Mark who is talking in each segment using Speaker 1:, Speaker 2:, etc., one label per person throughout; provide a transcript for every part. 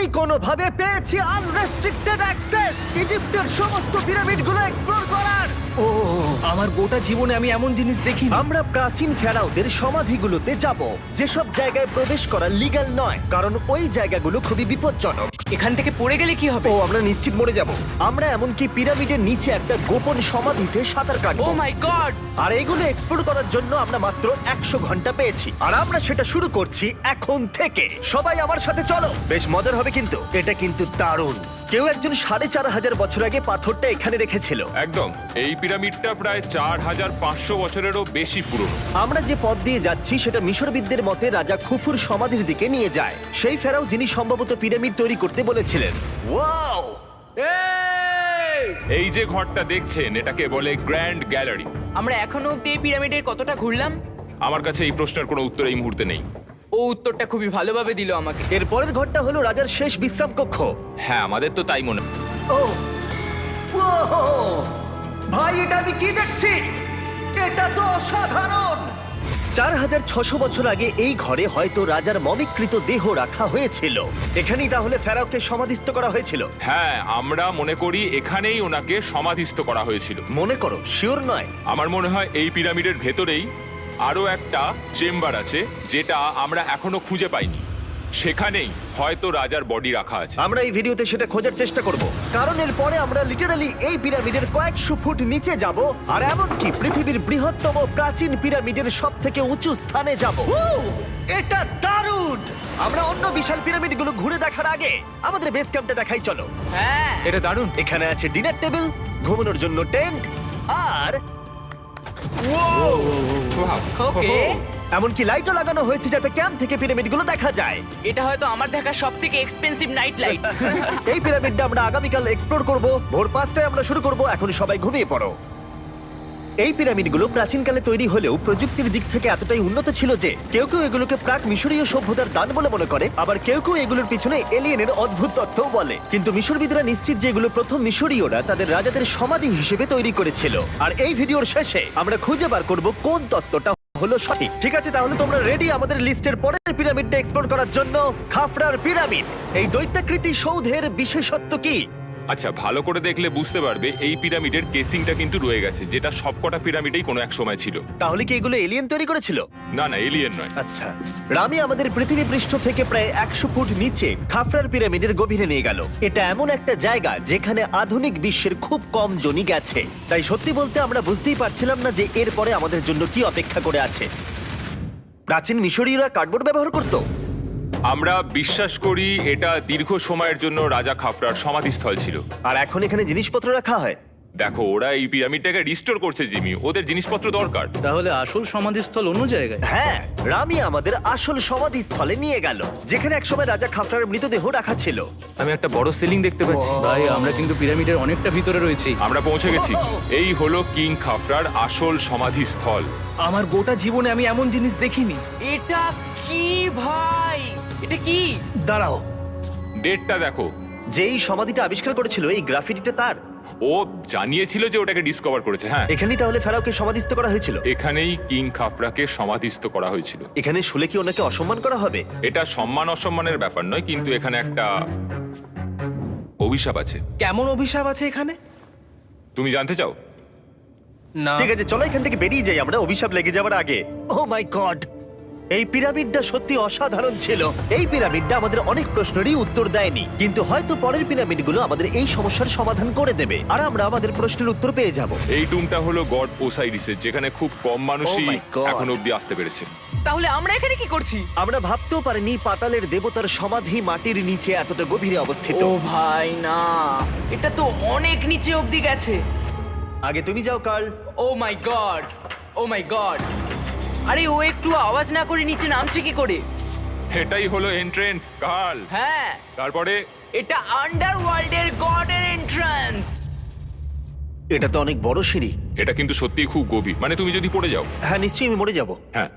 Speaker 1: আমি কোনোভাবে পেয়েছি আনরেস্ট্রিক্টেড অ্যাক্সেস ইজিপ্টের সমস্ত পিরামিডগুলো এক্সপ্লোর করার।
Speaker 2: ও আমার গোটা জীবনে আমি এমন জিনিস দেখিনি।
Speaker 1: আমরা প্রাচীন ফেরাওদের সমাধিগুলোতে যাব, যেসব জায়গায় প্রবেশ করা লিগ্যাল নয়, কারণ ওই জায়গাগুলো খুবই বিপজ্জনক।
Speaker 3: এখান থেকে পড়ে গেলে কি হবে?
Speaker 1: ও আমরা নিশ্চিত মরে যাব। আমরা এমনকি পিরামিডের নিচে একটা গোপন সমাধিতে সাঁতার
Speaker 3: ও
Speaker 1: কাটবো।
Speaker 3: মাই গড!
Speaker 1: আর এগুলো এক্সপ্লোর করার জন্য আমরা মাত্র 100 ঘন্টা পেয়েছি, আর আমরা সেটা শুরু করছি এখন থেকে। সবাই আমার সাথে চলো, বেশ মজার হবে কিন্তু। এটা কিন্তু দারুণ। কেউ একজন 4500 বছর আগে পাথরটা এখানে রেখেছিল।
Speaker 4: একদম, এই পিরামিডটা প্রায় 4500 বছরেরও বেশি পুরনো।
Speaker 1: আমরা যে পথ দিয়ে যাচ্ছি সেটা মিশরবিদদের মতে রাজা খুফুর সমাধির দিকে নিয়ে যায়, সেই ফেরাও যিনি সম্ভবত পিরামিড তৈরি করতে বলেছিলেন। ওয়াও!
Speaker 4: এই যে ঘরটা দেখছেন, এটাকে বলে গ্র্যান্ড গ্যালারি।
Speaker 3: আমরা এখনো অব্দি এই পিরামিডের কতটা ঘুরলাম?
Speaker 4: আমার কাছে এই প্রশ্নের কোনো উত্তর এই মুহূর্তে নেই।
Speaker 3: ও উত্তরটা খুবই ভালোভাবে দিল আমাকে।
Speaker 1: এর পরের ঘরটা হলো রাজার শেষ বিশ্রাম কক্ষ।
Speaker 4: হ্যাঁ, আমাদের তো তাই মনে।
Speaker 1: ও ওহো! ভাই, এটা আমি কি দেখছি? এটা তো অসাধারণ। 4600 বছর আগে এই ঘরে হয়তো রাজার মমিকৃত দেহ রাখা হয়েছিল। এখানেই তাহলে ফেরাওকে সমাধিস্থ করা হয়েছিল।
Speaker 4: হ্যাঁ, আমরা মনে করি এখানেই ওনাকে সমাধিস্থ করা হয়েছিল।
Speaker 1: মনে করো, শিওর নয়।
Speaker 4: আমার মনে হয় এই পিরামিডের ভেতরেই আরো একটা চেম্বার আছে, যেটা আমরা এখনো খুঁজে পাইনি। সেখানেই হয়তো রাজার বডি রাখা আছে।
Speaker 1: আমরা এই ভিডিওতে সেটা খোঁজার চেষ্টা করব, কারণ এর পরে আমরা লিটারালি এই পিরামিডের কয়েকশো ফুট নিচে যাব, আর এমনকি পৃথিবীর বৃহত্তম প্রাচীন পিরামিডের সবথেকে উঁচু স্থানে যাব। এটা দারুণ! আমরা অন্য বিশাল পিরামিডগুলো ঘুরে দেখার আগে আমাদের বেস ক্যাম্পটা দেখাই চলো।
Speaker 3: হ্যাঁ,
Speaker 4: এটা দারুণ।
Speaker 1: এখানে আছে ডিনার টেবিল, ঘুমানোর জন্য টেন্ট, আর
Speaker 3: ওকে।
Speaker 1: এমনকি লাইটও লাগানো হয়েছে যাতে ক্যাম্প থেকে পিরামিডগুলো দেখা যায়।
Speaker 3: এটা হয়তো আমার দেখা সবথেকে এক্সপেন্সিভ নাইট লাইট।
Speaker 1: এই পিরামিডটা আমরা আগামীকাল এক্সপ্লোর করব। ভোর 5টায় আমরা শুরু করব। এখন সবাই ঘুমিয়ে পড়ো। এই পিরামিডগুলো প্রাচীনকালে তৈরি হলেও প্রযুক্তির দিক থেকে এতটাই উন্নত ছিল যে কেউ কেউ এগুলোকে প্রাক মিশরীয় সভ্যতার দান বলে মনে করে, আবার কেউ কেউ এগুলোর পিছনে এলিয়েনের অদ্ভুত তথ্যও বলে। কিন্তু মিশরবিদরা নিশ্চিত যে এগুলো প্রথম মিশরীয়রা তাদের রাজাদের সমাধি হিসেবে তৈরি করেছিল। আর এই ভিডিওর শেষে আমরা খুঁজে বার করব কোন তত্ত্বটা হলো সঠিক। ঠিক আছে, তাহলে তোমরা রেডি আমাদের লিস্টের পরের পিরামিডটা এক্সপ্লোর করার জন্য? খাফরার পিরামিড। এই দৈত্যাকৃতি সৌধের বিশেষত্ব কি?
Speaker 4: আচ্ছা, ভালো করে দেখলে বুঝতে পারবে এই পিরামিডের কেসিংটা কিন্তু রয়ে গেছে, যেটা সবকটা পিরামিডেই কোনো এক সময় ছিল।
Speaker 1: তাহলে কি এগুলো এলিয়েন তৈরি করেছিল?
Speaker 4: না না, এলিয়েন নয়।
Speaker 1: আচ্ছা, রামি আমাদের পৃথিবী পৃষ্ঠ থেকে প্রায় 100 ফুট নিচে খাফরার পিরামিডের গভীরে নিয়ে গেল। এটা এমন একটা জায়গা যেখানে আধুনিক বিশ্বের খুব কম জনই গেছে। তাই সত্যি বলতে আমরা বুঝতেই পারছিলাম না যে এরপরে আমাদের জন্য কি অপেক্ষা করে আছে। প্রাচীন মিশরীয়রা কার্ডবোর্ড ব্যবহার করত।
Speaker 4: আমরা বিশ্বাস করি এটা দীর্ঘ সময়ের জন্য রাজা খাফরার সমাধিস্থল ছিল।
Speaker 1: আর এখন এখানে জিনিসপত্র রাখা হয়।
Speaker 4: দেখো, ওরা এই পিরামিডটাকে রিস্টোর করছে জিমি, ওদের জিনিসপত্র দরকার।
Speaker 2: তাহলে আসল সমাধিস্থল অন্য জায়গায়?
Speaker 1: হ্যাঁ, রামি আমাদের আসল সমাধিস্থলে নিয়ে গেল, যেখানে একসময় রাজা খাফরার মৃতদেহ রাখা ছিল।
Speaker 5: আমি একটা বড় সিলিং দেখতে পাচ্ছি।
Speaker 2: ভাই, আমরা কিন্তু পিরামিডের অনেকটা ভিতরে রয়েছি।
Speaker 4: আমরা পৌঁছে গেছি। এই হলো কিং খাফরার আসল সমাধিস্থল।
Speaker 2: আমার গোটা জীবনে আমি এমন জিনিস দেখিনি।
Speaker 3: এটা কি ভাই? এটা কি?
Speaker 1: দাঁড়াও,
Speaker 4: ডেটটা দেখো।
Speaker 1: যেই সমাধিটা আবিষ্কার করেছিল এই গ্রাফিটিটা তার।
Speaker 4: ও জানিয়েছিল যে ওটাকে ডিসকভার করেছে। হ্যাঁ,
Speaker 1: এখানেই তাহলে ফেরাওকে সমাধিস্থ করা হয়েছিল।
Speaker 4: এখানেই কিং খাফরাকে সমাধিস্থ করা হয়েছিল।
Speaker 1: এখানে শুলে কি ওনাকে অসম্মান করা হবে?
Speaker 4: এটা সম্মান অসম্মানের ব্যাপার নয়, কিন্তু এখানে একটা অভিশাপ আছে।
Speaker 2: কেমন অভিশাপ আছে এখানে?
Speaker 4: তুমি জানতে চাও?
Speaker 2: না।
Speaker 1: ঠিক আছে, চলো এখান থেকে বেরিয়ে যাই আমরা অভিশাপ লেগে যাওয়ার আগে। ও মাই গড, এই পিরামিডটা সত্যি অসাধারণ ছিল। এই পিরামিডটা আমাদের অনেক প্রশ্নেরই উত্তর দেয়নি, কিন্তু হয়তো পরের পিরামিডগুলো আমাদের এই সমস্যার সমাধান করে দেবে, আর আমরা আমাদের প্রশ্নের উত্তর পেয়ে যাব।
Speaker 4: এই টুমটা হলো গড ওসাইরিসের, যেখানে খুব কম মানুষই
Speaker 1: Oh my God!
Speaker 4: এখন অব্দি আসতে পেরেছে।
Speaker 3: তাহলে আমরা এখানে কি করছি?
Speaker 1: আমরা ভাবতেও পারিনি পাতালের দেবতার সমাধি মাটির নিচে এতটা গভীরে অবস্থিত।
Speaker 3: ও ভাই না, এটা তো অনেক নিচে অব্দি গেছে।
Speaker 1: আগে তুমি যাও Carl.
Speaker 3: Oh my God, oh my God! আরে ও একটু আওয়াজ না করে নিচে নামছে কি করে?
Speaker 4: এটাই হলো এন্ট্রেন্স, কাল।
Speaker 3: হ্যাঁ,
Speaker 4: তারপরে
Speaker 3: এটা আন্ডারওয়ার্ল্ডের গডের এন্ট্রান্স।
Speaker 1: এটা তো অনেক বড় সিঁড়ি।
Speaker 4: এটা কিন্তু সত্যিই খুব গভীর, মানে তুমি যদি পড়ে যাও।
Speaker 1: হ্যাঁ, নিশ্চয়ই আমি মরে যাব।
Speaker 4: হ্যাঁ,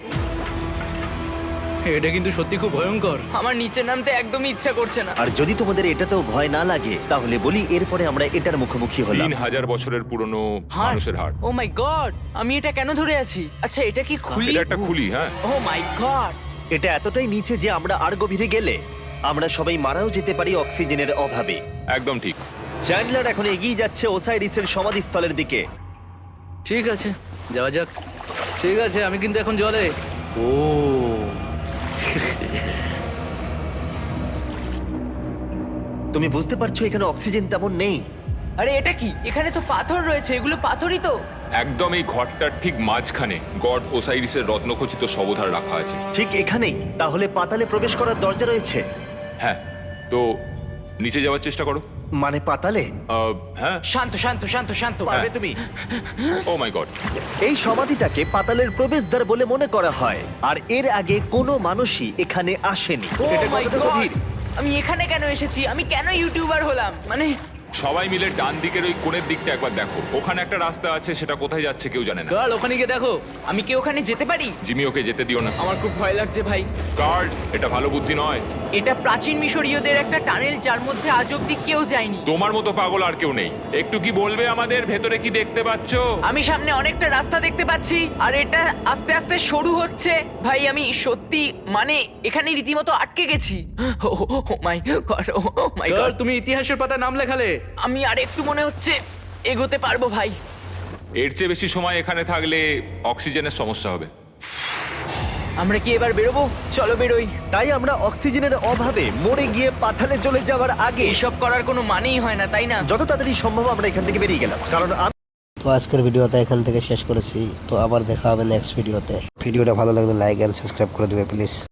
Speaker 2: এটা কিন্তু সত্যি খুব ভয়ঙ্কর।
Speaker 3: আমার নিচে নামতে একদমই ইচ্ছা করছে না।
Speaker 1: আর যদি তোমাদের এটাতেও ভয় না লাগে তাহলে বলি এরপরে আমরা এটার মুখোমুখি হলাম।
Speaker 4: 3000 বছরের পুরনো
Speaker 3: হার্ট,
Speaker 4: মানুষের হাড়।
Speaker 3: Oh my God! আমি এটা কেন ধরে আছি? আচ্ছা, এটা কি খুলি?
Speaker 4: এটা একটা খুলি। হ্যাঁ,
Speaker 3: ও মাই গড!
Speaker 1: এটা এতটাই নিচে যে আমরা আর গভীরে গেলে আমরা সবাই মারাও যেতে পারি অক্সিজেনের অভাবে।
Speaker 4: একদম ঠিক।
Speaker 1: চ্যান্ডলার এখন এগিয়ে যাচ্ছে ওসাইরিসের সমাধিস্থলের দিকে।
Speaker 2: ঠিক আছে, যাওয়া যাক। ঠিক আছে, আমি কিন্তু এখন জলে। ও
Speaker 1: তুমি বুঝতে পারছো এখানে অক্সিজেন তেমন নেই।
Speaker 3: আরে এটা কি? এখানে তো পাথর রয়েছে, এগুলো পাথরই তো।
Speaker 4: একদম এই ঘরটার ঠিক মাঝখানে গড ওসাইরিসের রত্নখচিত শবধার রাখা আছে।
Speaker 1: ঠিক এখানেই? তাহলে পাতালে প্রবেশ করার দরজা রয়েছে?
Speaker 4: হ্যাঁ, তো নিচে যাওয়ার চেষ্টা করো।
Speaker 1: মানে পাতালে?
Speaker 4: হ্যাঁ।
Speaker 3: শান্ত শান্ত শান্ত শান্ত।
Speaker 1: পারবে তুমি?
Speaker 4: Oh my God.
Speaker 1: এই সমাধিটাকে পাতালের প্রবেশদ্বার বলে মনে করা হয়, আর এর আগে কোনো মানুষই এখানে আসেনি।
Speaker 3: Oh
Speaker 1: এটা
Speaker 3: my
Speaker 1: কতটা
Speaker 3: God!
Speaker 1: গভীর?
Speaker 3: আমি এখানে কেন এসেছি? আমি কেন ইউটিউবার হলাম? মানে
Speaker 4: সবাই মিলে ডান দিকের ওই কোণের দিকটা একবার দেখো। ওখানে একটা রাস্তা আছে, সেটা কোথায় যাচ্ছে কেউ জানে না।
Speaker 2: কাল ওখানে গিয়ে দেখো।
Speaker 3: আমি কি ওখানে যেতে পারি?
Speaker 4: জিমি, ওকে যেতে দিও না।
Speaker 3: আমার খুব ভয় লাগছে ভাই।
Speaker 4: কার্ড, এটা ভালো বুদ্ধি নয়।
Speaker 3: এটা প্রাচীন মিশরীয়দের একটা টানেল যার মধ্যে আজ অব্দি কেউ যায়নি।
Speaker 4: তোমার মতো পাগল আর কেউ নেই। একটু কি বলবে আমাদের ভেতরে কি দেখতে পাচ্ছো?
Speaker 3: আমি সামনে অনেকটা রাস্তা দেখতে পাচ্ছি, আর এটা আস্তে আস্তে সরু হচ্ছে। ভাই আমি সত্যি মানে এখানে রীতিমতো আটকে গেছি। ও মাই গড, ও মাই
Speaker 2: কাল
Speaker 3: গড।
Speaker 2: তুমি ইতিহাসের পাতায় নাম লেখালে।
Speaker 3: আমি আর একটু মনে হচ্ছে এগোতে পারবো ভাই।
Speaker 4: এর চেয়ে বেশি সময় এখানে থাকলে অক্সিজেনের সমস্যা হবে।
Speaker 3: আমরা কি এবার বেরোবো? চলো বেরোই।
Speaker 1: তাই আমরা অক্সিজেনের অভাবে মরে গিয়ে পাতালে চলে যাওয়ার আগে
Speaker 3: এইসব করার কোনো মানেই হয় না, তাই না?
Speaker 1: যত তাড়াতাড়ি সম্ভব আমরা এখান থেকে বেরিয়ে গেলাম, কারণ
Speaker 6: তো আজকের ভিডিওটা এখান থেকে শেষ করেছি। তো আবার দেখা হবে নেক্সট ভিডিওতে। ভিডিওটা ভালো লাগলে লাইক এন্ড সাবস্ক্রাইব করে দেবে প্লিজ।